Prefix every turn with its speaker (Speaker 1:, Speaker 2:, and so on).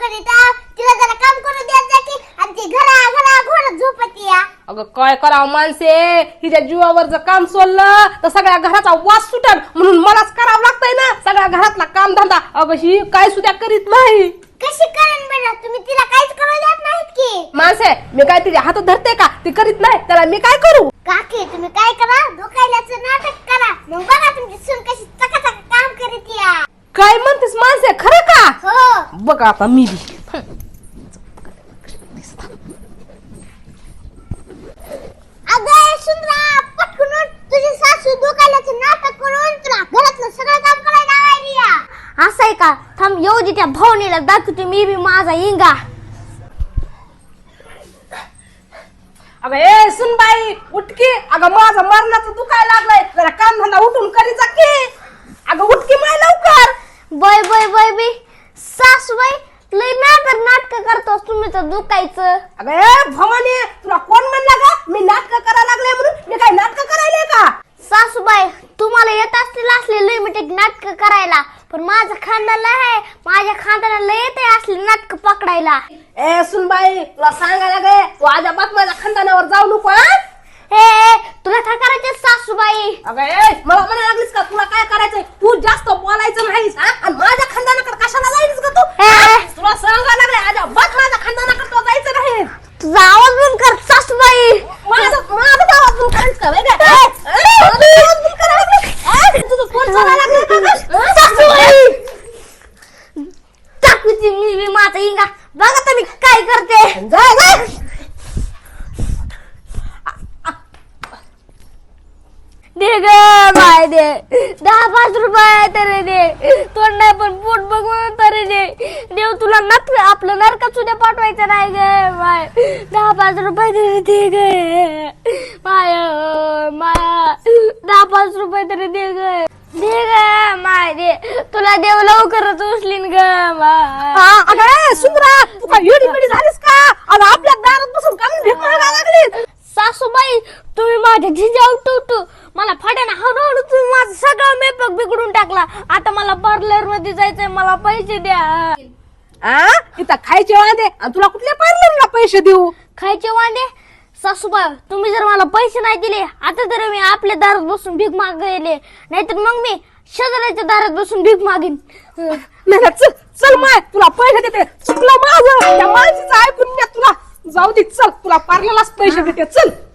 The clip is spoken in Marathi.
Speaker 1: करीत तिला जरा काम करू द्यायचं जा की आणि ती घरा घोडत झोपती या.
Speaker 2: अगं काय करावं माणसे, हिच्या जीवावर जर काम सोडलं तर सगळ्या घराचा वास सुटल म्हणून मलाच करावं लागतंय ना सगळ्या घरातला काम धंदा. अगं ही काय सुद्धा करीत नाही.
Speaker 1: कशी करेन बेटा, तुम्ही तिला काहीच करू देत नाहीत की.
Speaker 2: माणसे मी काय तिच्या हातात धरते का, ती करीत नाही त्याला मी काय करू.
Speaker 1: काकी तुम्ही काय करा, डोकायलाचं नाटक करा, मग बघा तुमची सून कशी चकाचक काम करीत या.
Speaker 2: काय म्हणतेस माणसे, खरं का?
Speaker 1: हो
Speaker 2: बघ आता मी बी.
Speaker 1: अगं सुंदरा पटकन उठ, तुझी सासू डोकायलाचं नाटक करून तुला घरातलं सगळं काम करायला लावायली या. असं आहे का, थांब येऊ दे त्या भावनेला दाखवते मी बी माझा इंगा.
Speaker 2: अगं ए सुनबाई उठकी, अगं माझं मरणाचं दुखायला लागलंय, जरा काम धंदा उठून करी जा की. अगं उठकी माय लवकर.
Speaker 1: बाय बाय बाय बाय सासूबाई लय नाटक करतोस तुम्ही तर दुखायचं.
Speaker 2: अगं ए भवानी तुला कोण म्हणलं का मी नाटक करायला लागले म्हणून, मी काय नाटक करायले का.
Speaker 1: सासूबाई तुम्हाला येत असतील असले लय मिठे नाटक करायला, पण माझं खानदान आहे, माझ्या खानदानाला येते असले नाटक पकडायला.
Speaker 2: ए सुनबाई तुला सांगायला गे, तू अजिबात माझ्या खानदानावर जाऊ नको.
Speaker 1: हे तुला काय करायचं सासूबाई.
Speaker 2: अगं ए मला म्हणायला लागलीस का तुला काय करायचंय, तू जास्त बोलायचं नाहीस आणि माझ्या खानदानाकडे कशाला जाईस का तू. तुला सांगायला लागले अजिबात माझ्या खानदानाकडे तो जायचं नाही.
Speaker 1: तुझा आवाज बंद कर सासूबाई.
Speaker 2: माझा आवाज बंद करायचं का वेगळा. तुझं फोन चालायला लागला का?
Speaker 1: सासूबाई टाकूची मी माझा इंगा बघा तुम्ही काय करते.
Speaker 2: जा जा.
Speaker 1: दे ग बाय दे 10-5 रुपये तरी दे, तोंड नाही पण पोट बघून तरी दे. देव तुला आपलं नरकात सुद्धा पाठवायचं नाही ग बाय. 10-5 रुपये तरी दे ग माय, माया 10-5 रुपये तरी दे ग, दे ग माय दे. तुला देव लवकरच उचलीन ग माय.
Speaker 2: अगं सुंदरा तू काय येडी बिडी झालीस का, अगं आपल्या दारात बसून काम भीक मागायला लागली.
Speaker 1: सासूबाई तुम्ही माझ्या झिंजा उठू मला फाट्याने हळूहळू तुम्ही माझा सगळा मेकअप बिघडून टाकला. आता मला पार्लर मध्ये जायचंय, मला पैसे द्या.
Speaker 2: इथं खायचे वांदे आणि तुला कुठल्या पार्लरला पैसे देऊ.
Speaker 1: खायचे वांदे सासूबाई, तुम्ही जर मला पैसे नाही दिले आता तर मी आपल्या दारात बसून भीक मागायले, नाहीतर मग मी शेजाऱ्याच्या दारात बसून भीक मागीन.
Speaker 2: नाही चल चल माय तुला पैसे देते. चुकलं माझं, त्या माणसाचं ऐकून घ्या तुला. जाऊ दे चल, तुला पार्लरलाच पैसे देते चल.